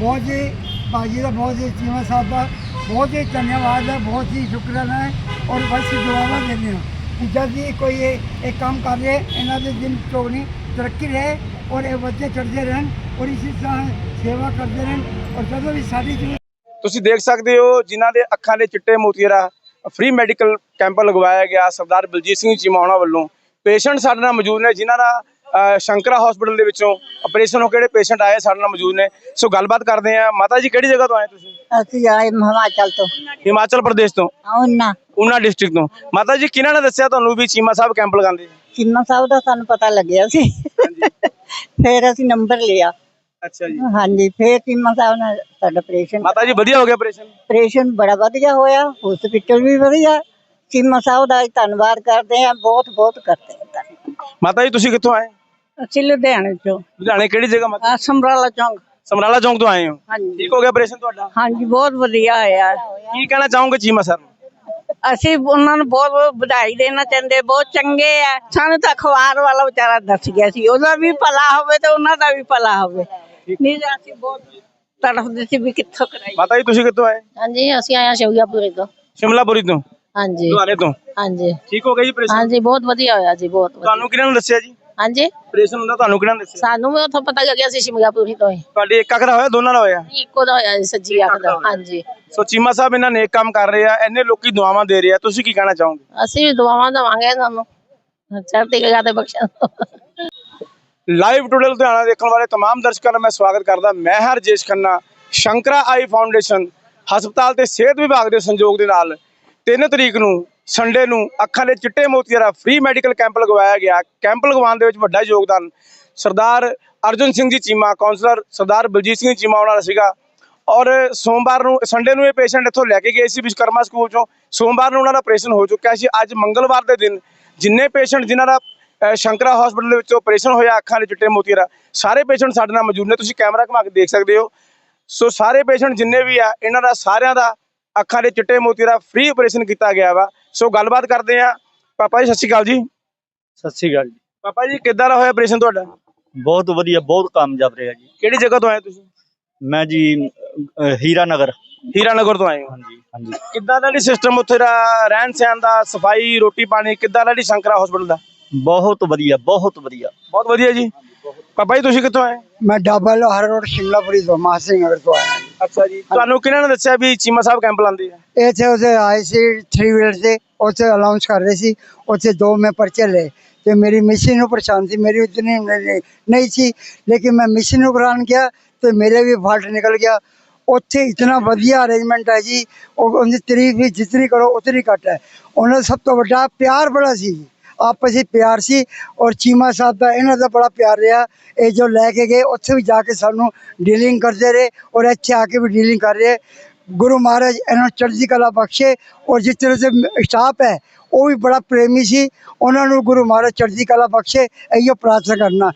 बहुत ही भाजी का, बहुत ही चीमा साहब का बहुत ही धन्यवाद है, बहुत ही शुक्राना है। और बस दुआवा देने कि जब भी कोई एक काम कर रहे इन्हों के दिन चौगनी तरक्की रहे और ये बच्चे चढ़ते रहन और इसी तरह सेवा करते रहन। और जब भी साड़ी ਤੁਸੀਂ ਦੇਖ ਸਕਦੇ ਹੋ ਜਿਨ੍ਹਾਂ ਦੇ ਅੱਖਾਂ ਦੇ ਚਿੱਟੇ ਮੋਤੀਰਾ ਫ੍ਰੀ ਮੈਡੀਕਲ ਕੈਂਪ ਲਗਵਾਇਆ ਗਿਆ ਸਰਦਾਰ ਬਲਜੀਤ ਸਿੰਘ ਚੀਮਾ ਉਹਨਾਂ ਵੱਲੋਂ। ਪੇਸ਼ੈਂਟ ਸਾਡੇ ਨਾਲ ਮੌਜੂਦ ਨੇ ਜਿਨ੍ਹਾਂ ਦਾ ਸ਼ੰਕਰਾ ਹਸਪੀਟਲ ਦੇ ਵਿੱਚੋਂ ਆਪਰੇਸ਼ਨ ਹੋ ਕੇ ਜਿਹੜੇ ਪੇਸ਼ੈਂਟ ਆਏ ਸਾਡੇ ਨਾਲ ਮੌਜੂਦ ਨੇ। ਸੋ ਗੱਲਬਾਤ ਕਰਦੇ ਆ। ਮਾਤਾ ਜੀ ਕਿਹੜੀ ਜਗ੍ਹਾ ਤੋਂ ਆਏ ਤੁਸੀਂ? ਅਸੀਂ ਆਏ ਹਿਮਾਚਲ ਤੋਂ। ਹਿਮਾਚਲ ਪ੍ਰਦੇਸ਼ ਤੋਂ? ਉਹਨਾਂ ਡਿਸਟ੍ਰਿਕਟ ਤੋਂ। ਮਾਤਾ ਜੀ ਕਿਹਨਾਂ ਨੇ ਦੱਸਿਆ ਤੁਹਾਨੂੰ ਵੀ ਚੀਮਾ ਸਾਹਿਬ ਕੈਂਪ ਲਗਾਉਂਦੇ? ਚੀਮਾ ਸਾਹਿਬ ਦਾ ਸਾਨੂੰ ਪਤਾ ਲੱਗਿਆ ਸੀ, ਫਿਰ ਅਸੀਂ ਨੰਬਰ ਲਿਆ। ਅੱਛਾ ਜੀ। ਹਾਂਜੀ, ਫਿਰ ਚੀਮਾ ਸਾਹਿਬ ਨੇ ਸਾਡਾ ਆਪਰੇਸ਼ਨ। ਮਾਤਾ ਜੀ ਵਧੀਆ ਹੋ ਗਿਆ ਆਪਰੇਸ਼ਨ? ਆਪਰੇਸ਼ਨ ਬੜਾ ਵਧੀਆ ਹੋਇਆ, ਹਸਪੀਟਲ ਵੀ ਵਧੀਆ। ਚੀਮਾ ਸਾਹਿਬ ਦਾ ਧੰਨਵਾਦ ਕਰਦੇ ਆ, ਬਹੁਤ ਬਹੁਤ ਕਰਦੇ ਆ। ਮਾਤਾ ਜੀ ਤੁਸੀਂ ਕਿੱਥੋਂ ਆਏ? ਅਸੀਂ ਲੁਧਿਆਣੇ ਤੋਂ। ਲੁਧਿਆਣੇ ਕਿਹੜੀ ਜਗ੍ਹਾ ਮਾਤਾ? ਸਮਰਾਲਾ ਚੌਂਕ। ਸਮਰਾਲਾ ਚੌਂਕ ਤੋਂ ਆਏ ਹੋ? ਹਾਂਜੀ। ਠੀਕ ਹੋ ਗਿਆ ਆਪਰੇਸ਼ਨ ਤੁਹਾਡਾ? ਹਾਂਜੀ, ਬਹੁਤ ਵਧੀਆ ਹੋਇਆ। ਕੀ ਕਹਿਣਾ ਚਾਹੋਗੇ ਚੀਮਾ ਸਰ ਨੂੰ? ਅਸੀਂ ਉਹਨਾਂ ਨੂੰ ਬਹੁਤ ਬਹੁਤ ਵਧਾਈ ਦੇਣਾ ਚਾਹੁੰਦੇ, ਬਹੁਤ ਚੰਗੇ ਆ। ਸਾਨੂੰ ਤਾਂ ਅਖਬਾਰ ਵਾਲਾ ਵਿਚਾਰਾ ਦੱਸ ਗਿਆ ਸੀ, ਉਹਦਾ ਵੀ ਭਲਾ ਹੋਵੇ ਤੇ ਉਹਨਾਂ ਦਾ ਵੀ ਭਲਾ ਹੋਵੇ। ਨਹੀਂ ਤਾਂ ਅਸੀਂ ਬਹੁਤ ਤੜਫਦੇ ਸੀ ਵੀ ਕਿੱਥੋਂ ਕਰਾਈ। ਮਾਤਾ ਜੀ ਤੁਸੀਂ ਕਿੱਥੋਂ ਆਏ? ਹਾਂਜੀ, ਅਸੀਂ ਆਏ ਸ਼ਿਮਲਾਪੁਰੀ ਤੋਂ। ਸ਼ਿਮਲਾਪੁਰੀ ਤੋਂ? ਹਾਂਜੀ। ਲੁਧਿਆਣੇ ਤੋਂ? ਹਾਂਜੀ। ਠੀਕ ਹੋ ਗਿਆ ਜੀ ਆਪਰੇਸ਼ਨ? ਹਾਂਜੀ, ਬਹੁਤ ਵਧੀਆ ਹੋਇਆ ਜੀ, ਬਹੁਤ ਵਧੀਆ। ਤੁਹਾਨੂੰ ਕਿਹਨਾਂ ਨੇ ਦੱਸਿਆ ਜੀ ਹਾਂਜੀ, ਆਪਰੇਸ਼ਨ ਹੁੰਦਾ? ਤੁਹਾਨੂੰ ਕਿਹਨਾਂ ਨੇ ਦੱਸਿਆ? ਸਾਨੂੰ ਵੀ ਉੱਥੋਂ ਪਤਾ ਲੱਗਿਆ ਸੀ ਸ਼ਿਮਲਾਪੁਰੀ ਤੋਂ ਹੀ। ਤੁਹਾਡੀ ਇੱਕ ਅੱਖ ਦਾ ਹੋਇਆ ਦੋਨਾਂ ਦਾ ਹੋਇਆ? ਇੱਕੋ ਦਾ ਹੋਇਆ ਜੀ, ਸੱਜੀ ਅੱਖ ਦਾ। ਹਾਂਜੀ। ਸੋ ਚੀਮਾ ਸਾਹਿਬ ਇਹਨਾਂ ਨੇਕ ਕੰਮ ਕਰ ਰਹੇ ਆ, ਇੰਨੇ ਲੋਕੀ ਦੁਆਵਾਂ ਦੇ ਰਹੇ ਆ, ਤੁਸੀਂ ਕੀ ਕਹਿਣਾ ਚਾਹੋਗੇ? ਅਸੀਂ ਵੀ ਦੁਆਵਾਂ ਦੇਵਾਂਗੇ ਤੁਹਾਨੂੰ, ਚੜ੍ਹਦੀ ਕਲਾ ਤੇ ਬਖਸ਼ਣ। ਲਾਈਵ ਟੂਡੇ ਲੁਧਿਆਣਾ ਦੇਖਣ ਵਾਲੇ तमाम ਦਰਸ਼ਕਾਂ ਦਾ ਮੈਂ ਸਵਾਗਤ ਕਰਦਾ। ਮੈਂ ਹਰਜੇਸ਼ ਖੰਨਾ। ਸ਼ੰਕਰਾ ਆਈ ਫਾਊਂਡੇਸ਼ਨ ਹਸਪਤਾਲ ਤੇ ਸਿਹਤ ਵਿਭਾਗ ਦੇ ਸੰਯੋਗ ਦੇ ਨਾਲ 3 ਤਰੀਕ ਨੂੰ ਸੰਡੇ ਨੂੰ ਅੱਖਾਂ ਦੇ ਚਿੱਟੇ ਮੋਤੀਆਂ ਦਾ ਫ੍ਰੀ ਮੈਡੀਕਲ ਕੈਂਪ ਲਗਵਾਇਆ ਗਿਆ। ਕੈਂਪ ਲਗਵਾਉਣ ਦੇ ਵਿੱਚ ਵੱਡਾ ਯੋਗਦਾਨ ਸਰਦਾਰ ਅਰਜੁਨ ਸਿੰਘ ਜੀ ਚੀਮਾ, ਕਾਉਂਸਲਰ ਸਰਦਾਰ ਬਲਜੀਤ ਸਿੰਘ ਚੀਮਾ ਉਹਨਾਂ ਦਾ ਸੀਗਾ। ਔਰ ਸੋਮਵਾਰ ਨੂੰ, ਸੰਡੇ ਨੂੰ ਇਹ ਪੇਸ਼ੈਂਟ ਇੱਥੋਂ ਲੈ ਕੇ ਗਏ ਸੀ ਵਿਸ਼ਵਕਰਮਾ ਸਕੂਲ ਚੋਂ। ਸੋਮਵਾਰ ਨੂੰ ਉਹਨਾਂ ਦਾ ਆਪਰੇਸ਼ਨ ਹੋ ਚੁੱਕਿਆ ਸੀ। ਅੱਜ ਮੰਗਲਵਾਰ ਦੇ ਦਿਨ ਜਿੰਨੇ ਪੇਸ਼ੈਂਟ ਜਿਨ੍ਹਾਂ ਦਾ ਸ਼ੰਕਰਾ ਹਸਪੀਟਲ ਦੇ ਵਿੱਚ ਆਪਰੇਸ਼ਨ ਹੋਇਆ ਅੱਖਾਂ ਦੇ ਚਿੱਟੇ ਮੋਤੀਆਂ ਦਾ, ਸਾਰੇ ਪੇਸ਼ੈਂਟ ਸਾਡੇ ਨਾਲ ਮੌਜੂਦ ਨੇ। ਤੁਸੀਂ ਕੈਮਰਾ ਘੁਮਾ ਕੇ ਦੇਖ ਸਕਦੇ ਹੋ। ਸੋ ਸਾਰੇ ਪੇਸ਼ੈਂਟ ਜਿੰਨੇ ਵੀ ਆ ਇਹਨਾਂ ਦਾ ਸਾਰਿਆਂ ਦਾ ਅੱਖਾਂ ਦੇ ਚਿੱਟੇ ਮੋਤੀਆਂ ਦਾ ਫ੍ਰੀ ਆਪਰੇਸ਼ਨ ਕੀਤਾ ਗਿਆ ਵਾ। ਸੋ ਗੱਲਬਾਤ ਕਰਦੇ ਆ। ਪਾਪਾ ਜੀ ਸਤਿ ਸ਼੍ਰੀ ਅਕਾਲ ਜੀ। ਸਤਿ ਸ਼੍ਰੀ ਅਕਾਲ ਜੀ। ਪਾਪਾ ਜੀ ਕਿੱਦਾਂ ਦਾ ਹੋਇਆ ਆਪਰੇਸ਼ਨ ਤੁਹਾਡਾ? ਬਹੁਤ ਵਧੀਆ, ਬਹੁਤ ਕਾਮਯਾਬ ਰਿਹਾ ਜੀ। ਕਿਹੜੀ ਜਗ੍ਹਾ ਤੋਂ ਆਏ ਤੁਸੀਂ? ਮੈਂ ਜੀ ਹੀਰਾ ਨਗਰ ਤੋਂ ਆਏ ਹੋ? ਹਾਂਜੀ ਹਾਂਜੀ। ਕਿੱਦਾਂ ਦਾ ਸਿਸਟਮ ਉੱਥੇ ਦਾ, ਰਹਿਣ ਸਹਿਣ ਦਾ, ਸਫਾਈ, ਰੋਟੀ ਪਾਣੀ ਕਿੱਦਾਂ ਦਾ ਸ਼ੰਕਰਾ ਹਸਪੀਟਲ ਦਾ? ਬਹੁਤ ਵਧੀਆ, ਬਹੁਤ ਵਧੀਆ। ਬਹੁਤ ਵਧੀਆ ਜੀ। ਪਾਪਾ ਜੀ ਤੁਸੀਂ ਕਿੱਥੋਂ ਆਏ? मैं डाबा लोहार रोड शिमलापुरी तो महासिंह नगर तो आया। ਅੱਛਾ ਜੀ। ਤੁਹਾਨੂੰ ਕਿਹਨਾਂ ਨੇ ਦੱਸਿਆ ਵੀ ਚੀਮਾ ਸਾਹਿਬ ਕੈਂਪ ਲਾਉਂਦੇ ਆ? ਇਹ ਥੇ ਉਸੇ ਆਏ ਸੀ 3 ਵੀਲਰ ਤੇ, ਉੱਥੇ ਅਨਾਉਂਸ ਕਰ ਰਹੇ ਸੀ। ਉੱਥੇ 2 ਮੈਂ ਪਰਚੇ ਲਏ ਤੇ ਮੇਰੀ ਮਿਸ਼ਨ ਨੂੰ ਪਰੇਸ਼ਾਨ ਸੀ, ਮੇਰੀ ਉਤਨੀ ਨਹੀਂ ਸੀ, ਲੇਕਿन मैं मिशन ਨੂੰ ਕਰਾਉਣ ਗਿਆ ਤੇ ਮੇਰੇ ਵੀ ਫਾਲਟ ਨਿਕਲ ਗਿਆ। ਉੱਥੇ ਇਤਨਾ ਵਧੀਆ ਅਰੇਂਜਮੈਂਟ ਹੈ ਜੀ, ਉਹਦੀ ਤਾਰੀਫ ਵੀ ਜਿਤਨੀ ਕਰੋ ਉਤਨੀ ਘੱਟ ਹੈ। ਉਹਨਾਂ ਦਾ ਸਭ ਤੋਂ ਵੱਡਾ ਪਿਆਰ ਬੜਾ ਸੀ, ਆਪਸੀ ਪਿਆਰ ਸੀ। ਔਰ ਚੀਮਾ ਸਾਹਿਬ ਦਾ ਇਹਨਾਂ ਦਾ ਬੜਾ ਪਿਆਰ ਰਿਹਾ। ਇਹ ਜੋ ਲੈ ਕੇ ਗਏ ਉੱਥੇ ਵੀ ਜਾ ਕੇ ਸਾਨੂੰ ਡੀਲਿੰਗ ਕਰਦੇ ਰਹੇ ਔਰ ਇੱਥੇ ਆ ਕੇ ਵੀ ਡੀਲਿੰਗ ਕਰ ਰਹੇ। ਗੁਰੂ ਮਹਾਰਾਜ ਇਹਨਾਂ ਨੂੰ ਚੜ੍ਹਦੀ ਕਲਾ ਬਖਸ਼ੇ। ਔਰ ਜਿਸ ਤਰ੍ਹਾਂ से ਸਟਾਫ ਹੈ ਉਹ ਵੀ ਬੜਾ ਪ੍ਰੇਮੀ ਸੀ, ਉਹਨਾਂ ਨੂੰ ਗੁਰੂ ਮਹਾਰਾਜ ਚੜ੍ਹਦੀ ਕਲਾ ਬਖਸ਼ੇ। ਇਹੋ ਪ੍ਰਾर्थना करना।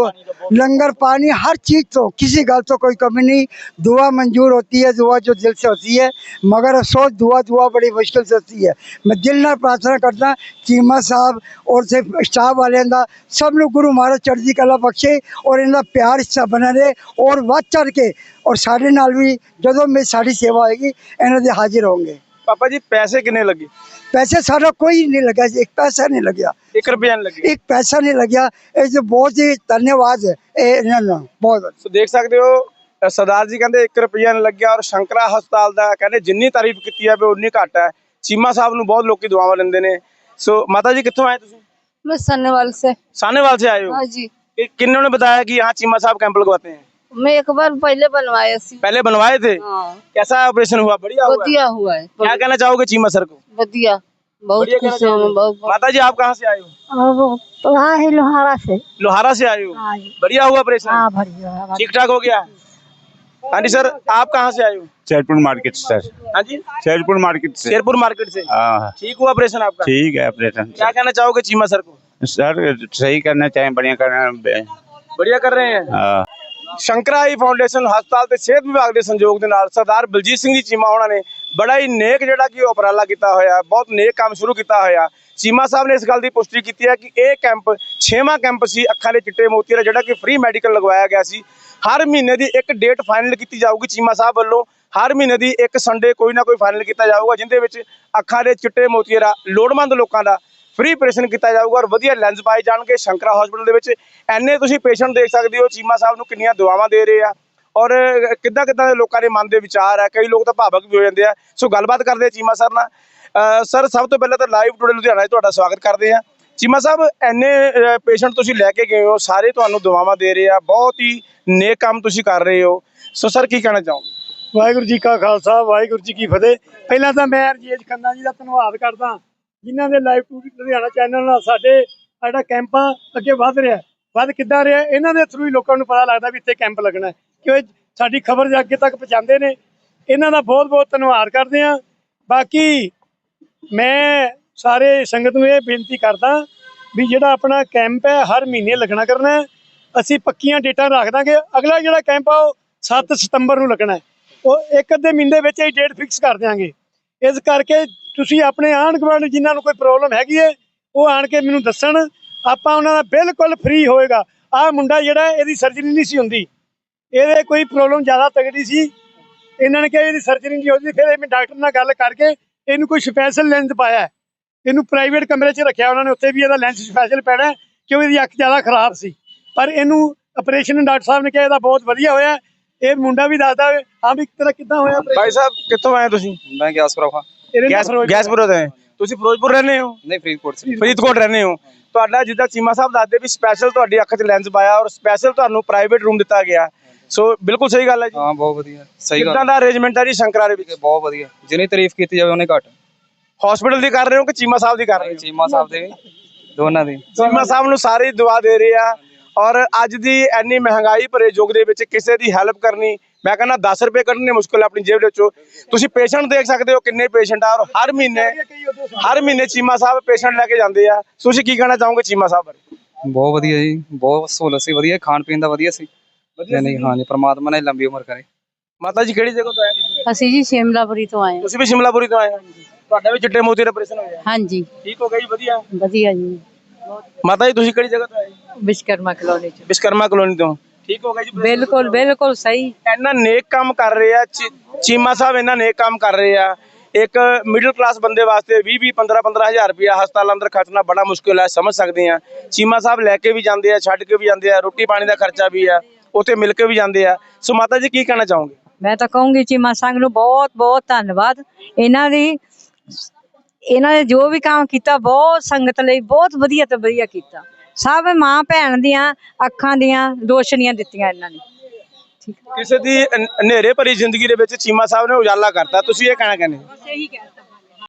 लंगर पानी हर चीज़ तो किसी गल तो कोई कमी नहीं। दुआ मंजूर होती है, दुआ जो दिल से होती है, मगर अफसोस दुआ बड़ी मुश्किल से होती है। मैं दिल नाल प्रार्थना करता चीमा साहब और स्टाफ वाले का सब लोग गुरु महाराज चढ़ती कला बख्शे और इनका प्यार हिस्सा बना रहे और वध चढ़ के और साढ़े नाल भी जो मेरी साड़ी सेवा होएगी इन्हों दे हाजिर होंगे। पापा जी पैसे कितने लगे? पैसे सारा कोई नहीं लगा, एक पैसा नहीं लगा, 1 रुपया नहीं लगे, एक पैसा नहीं लगा। ये बहुत ही धन्यवाद है बहुत। सो देख सकते हो सरदार जी कहते 1 रुपया नहीं लग्या और शंकरा हस्पताल का कहते जिन्नी तारीफ की है उन्नी घट है। चीमा साहब नूं बहुत लोग दुआवां लेंदे ने। सो माता जी कित्थों आए तुसीं? मैं सानेवाल से। सानेवाल से आए हो? हाँ जी। किन्होंने ने बताया कि यहाँ चीमा साहब कैंप लगवाते हैं? मैं एक बार पहले बनवाया सी। पहले बनवाए थे? हाँ। कैसा ऑपरेशन हुआ? बढ़िया हुआ? बढ़िया हुआ है। क्या कहना चाहोगे चीमा सर को? बढ़िया, बहुत खुश हूँ मैं, बहुत। माता जी आप कहाँ से आए हो? वहाँ है लोहारा से। लोहारा से आए हो? हाँ। बढ़िया हुआ ऑपरेशन? हाँ, बढ़िया। ठीक ठाक हो गया? हाँ जी सर आप कहाँ से आए हो? Sherpur market sir. हाँ जी शेरपुर मार्केट से। शेरपुर मार्केट से। हाँ ठीक हुआ ऑपरेशन आपका? ठीक है ऑपरेशन। क्या कहना चाहोगे चीमा सर को? सर सही करना चाहिए, बढ़िया करना। बढ़िया कर रहे हैं। हाँ। ਸ਼ੰਕਰਾ ਆਈ ਫਾਊਂਡੇਸ਼ਨ ਹਸਪਤਾਲ ਤੇ ਸਿਹਤ ਵਿਭਾਗ ਦੇ ਸੰਯੋਗ ਦੇ ਨਾਲ ਸਰਦਾਰ ਬਲਜੀਤ ਸਿੰਘ ਜੀ ਚੀਮਾ ਉਹਨਾਂ ਨੇ ਬੜਾ ਹੀ ਨੇਕ ਜਿਹੜਾ ਕਿ ਉਪਰਾਲਾ ਕੀਤਾ ਹੋਇਆ, ਬਹੁਤ ਨੇਕ ਕੰਮ ਸ਼ੁਰੂ ਕੀਤਾ ਹੋਇਆ। ਚੀਮਾ ਸਾਹਿਬ ਨੇ ਇਸ ਗੱਲ ਦੀ ਪੁਸ਼ਟੀ ਕੀਤੀ ਹੈ ਕਿ ਇਹ ਕੈਂਪ 6ਵਾਂ ਕੈਂਪ ਸੀ ਅੱਖਾਂ ਦੇ ਚਿੱਟੇ ਮੋਤੀਆਂ ਦਾ, ਜਿਹੜਾ ਕਿ ਫ੍ਰੀ ਮੈਡੀਕਲ ਲਗਵਾਇਆ ਗਿਆ ਸੀ। ਹਰ ਮਹੀਨੇ ਦੀ ਇੱਕ ਡੇਟ ਫਾਈਨਲ ਕੀਤੀ ਜਾਊਗੀ ਚੀਮਾ ਸਾਹਿਬ ਵੱਲੋਂ। ਹਰ ਮਹੀਨੇ ਦੀ ਇੱਕ ਸੰਡੇ ਕੋਈ ਨਾ ਕੋਈ ਫਾਈਨਲ ਕੀਤਾ ਜਾਊਗਾ, ਜਿੰਦੇ ਵਿੱਚ ਅੱਖਾਂ ਦੇ ਚਿੱਟੇ ਮੋਤੀਆਂ ਦਾ ਲੋੜਵੰਦ ਲੋਕਾਂ ਦਾ ਫ੍ਰੀ ਆਪਰੇਸ਼ਨ ਕੀਤਾ ਜਾਊਗਾ ਔਰ ਵਧੀਆ ਲੈਂਸ ਪਾਏ ਜਾਣਗੇ ਸ਼ੰਕਰਾ ਹਸਪੀਟਲ ਦੇ ਵਿੱਚ। ਐਨੇ ਤੁਸੀਂ ਪੇਸ਼ੈਂਟ ਦੇਖ ਸਕਦੇ ਹੋ ਚੀਮਾ ਸਾਹਿਬ ਨੂੰ ਕਿੰਨੀਆਂ ਦੁਆਵਾਂ ਦੇ ਰਹੇ ਆ ਔਰ ਕਿੱਦਾਂ ਦੇ ਲੋਕਾਂ ਦੇ ਮਨ ਦੇ ਵਿਚਾਰ ਹੈ। ਕਈ ਲੋਕ ਤਾਂ ਭਾਵਕ ਵੀ ਹੋ ਜਾਂਦੇ ਆ। ਸੋ ਗੱਲਬਾਤ ਕਰਦੇ ਆ ਚੀਮਾ ਸਰ ਨਾਲ। ਸਰ, ਸਭ ਤੋਂ ਪਹਿਲਾਂ ਤਾਂ ਲਾਈਵ ਟੂਡੇ ਲੁਧਿਆਣਾ 'ਚ ਤੁਹਾਡਾ ਸਵਾਗਤ ਕਰਦੇ ਆ। ਚੀਮਾ ਸਾਹਿਬ, ਐਨੇ ਪੇਸ਼ੈਂਟ ਤੁਸੀਂ ਲੈ ਕੇ ਗਏ ਹੋ, ਸਾਰੇ ਤੁਹਾਨੂੰ ਦੁਆਵਾਂ ਦੇ ਰਹੇ ਆ, ਬਹੁਤ ਹੀ ਨੇਕ ਕੰਮ ਤੁਸੀਂ ਕਰ ਰਹੇ ਹੋ। ਸੋ ਸਰ, ਕੀ ਕਹਿਣਾ ਚਾਹੋਗੇ? ਵਾਹਿਗੁਰੂ ਜੀ ਕਾ ਖਾਲਸਾ, ਵਾਹਿਗੁਰੂ ਜੀ ਕੀ ਫਤਿਹ। ਪਹਿਲਾਂ ਤਾਂ ਮੈਂ ਰਜੇਸ਼ ਖੰਨਾ ਜੀ ਦਾ ਧੰਨਵਾਦ ਕਰਦਾ, ਜਿਨ੍ਹਾਂ ਦੇ ਲਾਈਵ ਟੂਡੇ ਲੁਧਿਆਣਾ ਚੈਨਲ ਨਾਲ ਸਾਡਾ ਕੈਂਪ ਅੱਗੇ ਵੱਧ ਰਿਹਾ। ਵੱਧ ਕਿੱਦਾਂ ਰਿਹਾ? ਇਹਨਾਂ ਦੇ ਥਰੂ ਹੀ ਲੋਕਾਂ ਨੂੰ ਪਤਾ ਲੱਗਦਾ ਵੀ ਇੱਥੇ ਕੈਂਪ ਲੱਗਣਾ, ਕਿ ਸਾਡੀ ਖਬਰ ਅੱਗੇ ਤੱਕ ਪਹੁੰਚਾਉਂਦੇ ਨੇ। ਇਹਨਾਂ ਦਾ ਬਹੁਤ ਬਹੁਤ ਧੰਨਵਾਦ ਕਰਦੇ ਹਾਂ। ਬਾਕੀ ਮੈਂ ਸਾਰੇ ਸੰਗਤ ਨੂੰ ਇਹ ਬੇਨਤੀ ਕਰਦਾ ਵੀ ਜਿਹੜਾ ਆਪਣਾ ਕੈਂਪ ਹੈ ਹਰ ਮਹੀਨੇ ਲੱਗਣਾ ਕਰਨਾ। ਅਸੀਂ ਪੱਕੀਆਂ ਡੇਟਾਂ ਰੱਖ ਦਾਂਗੇ। ਅਗਲਾ ਜਿਹੜਾ ਕੈਂਪ ਆ ਉਹ 7 ਸਤੰਬਰ ਨੂੰ ਲੱਗਣਾ। ਉਹ ਇੱਕ ਅੱਧੇ ਮਹੀਨੇ ਵਿੱਚ ਹੀ ਡੇਟ ਫਿਕਸ ਕਰ ਦਿਆਂਗੇ। ਇਸ ਕਰਕੇ ਤੁਸੀਂ ਆਪਣੇ ਆਂਢ ਗੁਆਂਢ ਜਿਨ੍ਹਾਂ ਨੂੰ ਕੋਈ ਪ੍ਰੋਬਲਮ ਹੈਗੀ ਹੈ ਉਹ ਆਣ ਕੇ ਮੈਨੂੰ ਦੱਸਣ। ਆਪਾਂ ਉਹਨਾਂ ਦਾ ਬਿਲਕੁਲ ਫ੍ਰੀ ਹੋਏਗਾ। ਆਹ ਮੁੰਡਾ ਜਿਹੜਾ ਇਹਦੀ ਸਰਜਰੀ ਨਹੀਂ ਸੀ ਹੁੰਦੀ, ਇਹਦੇ ਕੋਈ ਪ੍ਰੋਬਲਮ ਜ਼ਿਆਦਾ ਤਗੜੀ ਸੀ, ਇਹਨਾਂ ਨੇ ਕਿਹਾ ਇਹਦੀ ਸਰਜਰੀ ਨਹੀਂ ਹੁੰਦੀ। ਫਿਰ ਮੈਂ ਡਾਕਟਰ ਨਾਲ ਗੱਲ ਕਰਕੇ ਇਹਨੂੰ ਕੋਈ ਸਪੈਸ਼ਲ ਲੈਂਸ ਪਾਇਆ, ਇਹਨੂੰ ਪ੍ਰਾਈਵੇਟ ਕਮਰੇ 'ਚ ਰੱਖਿਆ ਉਹਨਾਂ ਨੇ। ਉੱਥੇ ਵੀ ਇਹਦਾ ਲੈਂਸ ਸਪੈਸ਼ਲ ਪੈਣਾ ਕਿਉਂਕਿ ਇਹਦੀ ਅੱਖ ਜ਼ਿਆਦਾ ਖਰਾਬ ਸੀ। ਪਰ ਇਹਨੂੰ ਆਪਰੇਸ਼ਨ ਡਾਕਟਰ ਸਾਹਿਬ ਨੇ ਕਿਹਾ ਇਹਦਾ ਬਹੁਤ ਵਧੀਆ ਹੋਇਆ। ਇਹ ਮੁੰਡਾ ਵੀ ਦੱਸਦਾ ਹਾਂ ਵੀ ਤੇਰਾ ਕਿੱਦਾਂ ਹੋਇਆ। ਭਾਈ ਸਾਹਿਬ, ਕਿੱਥੋਂ ਆਏ ਤੁਸੀਂ? ਮੈਂ ਗਿਆਸਪੁਰ ਹਾਂ। ਗੈਸਪੁਰ ਤੋਂ। ਤੁਸੀਂ ਫਿਰੋਜ਼ਪੁਰ ਰਹਿੰਦੇ ਹੋ? ਨਹੀਂ, ਫਰੀਦਕੋਟ ਰਹਿੰਦੇ ਹੋ। ਤੁਹਾਡਾ ਜਿੱਦਾਂ ਚੀਮਾ ਸਾਹਿਬ ਦੱਸਦੇ ਵੀ ਸਪੈਸ਼ਲ ਤੁਹਾਡੀ ਅੱਖ 'ਚ ਲੈਂਸ ਪਾਇਆ ਔਰ ਸਪੈਸ਼ਲ ਤੁਹਾਨੂੰ ਪ੍ਰਾਈਵੇਟ ਰੂਮ ਦਿੱਤਾ ਗਿਆ। ਸੋ ਬਿਲਕੁਲ ਸਹੀ ਗੱਲ ਹੈ ਜੀ। ਹਾਂ, ਬਹੁਤ ਵਧੀਆ, ਸਹੀ ਗੱਲ। ਕਿੱਦਾਂ ਦਾ ਅਰੇਂਜਮੈਂਟ ਹੈ ਜੀ ਸ਼ੰਕਰਾ ਦੇ ਵਿੱਚ? ਬਹੁਤ ਵਧੀਆ, ਜਿੰਨੀ ਤਾਰੀਫ ਕੀਤੀ ਜਾਵੇ ਉਹਨੇ ਘੱਟ। ਹਸਪੀਟਲ ਦੀ ਕਰ ਰਹੇ ਹੋ ਕਿ ਚੀਮਾ ਸਾਹਿਬ ਦੀ ਕਰ ਰਹੇ ਹੋ? ਚੀਮਾ ਸਾਹਿਬ ਦੇ, ਦੋਨਾਂ ਦੀ। ਚੀਮਾ ਸਾਹਿਬ ਨੂੰ ਸਾਰੇ ਦੁਆ ਦੇ ਰਹੇ ਆ ਔਰ ਅੱਜ ਦੀ ਇੰਨੀ ਮਹਿੰਗਾਈ ਭਰੇ ਯੁੱਗ ਦੇ ਵਿੱਚ ਕਿਸੇ ਦੀ ਹੈਲਪ ਕਰਨੀ, ਮੈਂ ਕਹਿੰਦਾ 10 ਰੁਪਏ ਕੱਢਣੇ ਮੁਸ਼ਕਿਲ ਆਪਣੀ ਜੇਬ ਵਿੱਚੋਂ। ਤੁਸੀਂ ਪੇਸ਼ੈਂਟ ਦੇਖ ਸਕਦੇ ਹੋ ਕਿੰਨੇ ਪੇਸ਼ੈਂਟ ਆ ਔਰ ਹਰ ਮਹੀਨੇ ਚੀਮਾ ਸਾਹਿਬ ਪੇਸ਼ੈਂਟ ਲੈ ਕੇ ਜਾਂਦੇ ਆ। ਤੁਸੀਂ ਕੀ ਕਹਿਣਾ ਚਾਹੋਗੇ ਚੀਮਾ ਸਾਹਿਬ ਬਾਰੇ? ਬਹੁਤ ਵਧੀਆ ਜੀ, ਬਹੁਤ ਸਹੂਲਤ ਸੀ, ਵਧੀਆ ਖਾਣ ਪੀਣ ਦਾ ਵਧੀਆ ਸੀ। ਨਹੀਂ, ਹਾਂ ਜੀ, ਪ੍ਰਮਾਤਮਾ ਨੇ ਲੰਬੀ ਉਮਰ ਕਰੇ। ਮਾਤਾ ਜੀ, ਕਿਹੜੀ ਜਗ੍ਹਾ ਤੋਂ ਆਏ ਤੁਸੀਂ? ਅਸੀਂ ਜੀ ਸ਼ਿਮਲਾਪੁਰੀ ਤੋਂ ਆਏ ਹਾਂ। ਤੁਸੀਂ ਵੀ ਸ਼ਿਮਲਾਪੁਰੀ ਤੋਂ ਆਏ ਹੋ? ਤੁਹਾਡਾ ਵੀ ਚਿੱਟੇ ਮੋਤੀ ਦਾ ਆਪਰੇਸ਼ਨ ਹੋਇਆ? ਹਾਂਜੀ, ਠੀਕ ਹੋ ਗਿਆ ਜੀ? ਵਧੀਆ ਵਧੀਆ ਜੀ। ਮਾਤਾ ਜੀ, ਤੁਸੀਂ ਕਿਹੜੀ ਜਗ੍ਹਾ ਤੋਂ ਆਏ? ਵਿਸ਼ਕਰਮਾ ਕਲੋਨੀ ਚ। ਵਿਸ਼ਕਰਮਾ ਕਲੋਨੀ ਤੋਂ। ਠੀਕ ਹੋ ਗਿਆ ਜੀ? ਬਿਲਕੁਲ ਬਿਲਕੁਲ ਸਹੀ। ਇੰਨਾ ਨੇਕ ਕੰਮ ਕਰ ਰਹੇ ਆ ਚੀਮਾ ਸਾਹਿਬ, ਇੰਨਾ ਨੇਕ ਕੰਮ ਕਰ ਰਹੇ ਆ। ਇੱਕ ਮਿਡਲ ਕਲਾਸ ਬੰਦੇ ਵਾਸਤੇ 20 15 ਹਜ਼ਾਰ ਰੁਪਇਆ ਹਸਪਤਾਲ ਅੰਦਰ ਖਰਚਣਾ ਬੜਾ ਮੁਸ਼ਕਿਲ ਹੈ, ਸਮਝ ਸਕਦੇ ਆ। ਚੀਮਾ ਸਾਹਿਬ ਲੈ ਕੇ ਵੀ ਜਾਂਦੇ ਆ, ਛੱਡ ਕੇ ਵੀ ਜਾਂਦੇ ਆ, ਰੋਟੀ ਪਾਣੀ ਦਾ ਖਰਚਾ ਵੀ ਆ, ਉੱਥੇ ਮਿਲ ਕੇ ਵੀ ਜਾਂਦੇ ਆ। ਸੋ ਮਾਤਾ ਜੀ, ਕੀ ਕਹਿਣਾ ਚਾਹੋਗੇ? ਮੈਂ ਤਾਂ ਕਹੂੰਗੀ ਚੀਮਾ ਸੰਘ ਨੂੰ ਬਹੁਤ ਬਹੁਤ ਧੰਨਵਾਦ। ਇਹਨਾਂ ਨੇ ਜੋ ਵੀ ਕੰਮ ਕੀਤਾ ਬਹੁਤ ਸੰਗਤ ਲਈ ਬਹੁਤ ਵਧੀਆ ਤੋਂ ਵਧੀਆ ਕੀਤਾ। ਸਭ ਮਾਂ ਭੈਣ ਦੀਆਂ ਅੱਖਾਂ ਦੀਆਂ ਰੋਸ਼ਨੀਆਂ ਦਿੱਤੀਆਂ ਇਹਨਾਂ ਨੇ। ਕਿਸੇ ਦੀ ਹਨੇਰੇ ਭਰੀ ਜ਼ਿੰਦਗੀ ਦੇ ਵਿੱਚ ਚੀਮਾ ਸਾਹਿਬ ਨੇ ਉਜਾਲਾ ਕਰਤਾ। ਤੁਸੀਂ ਇਹ ਕਹਿਣਾ ਕਹਿੰਦੇ?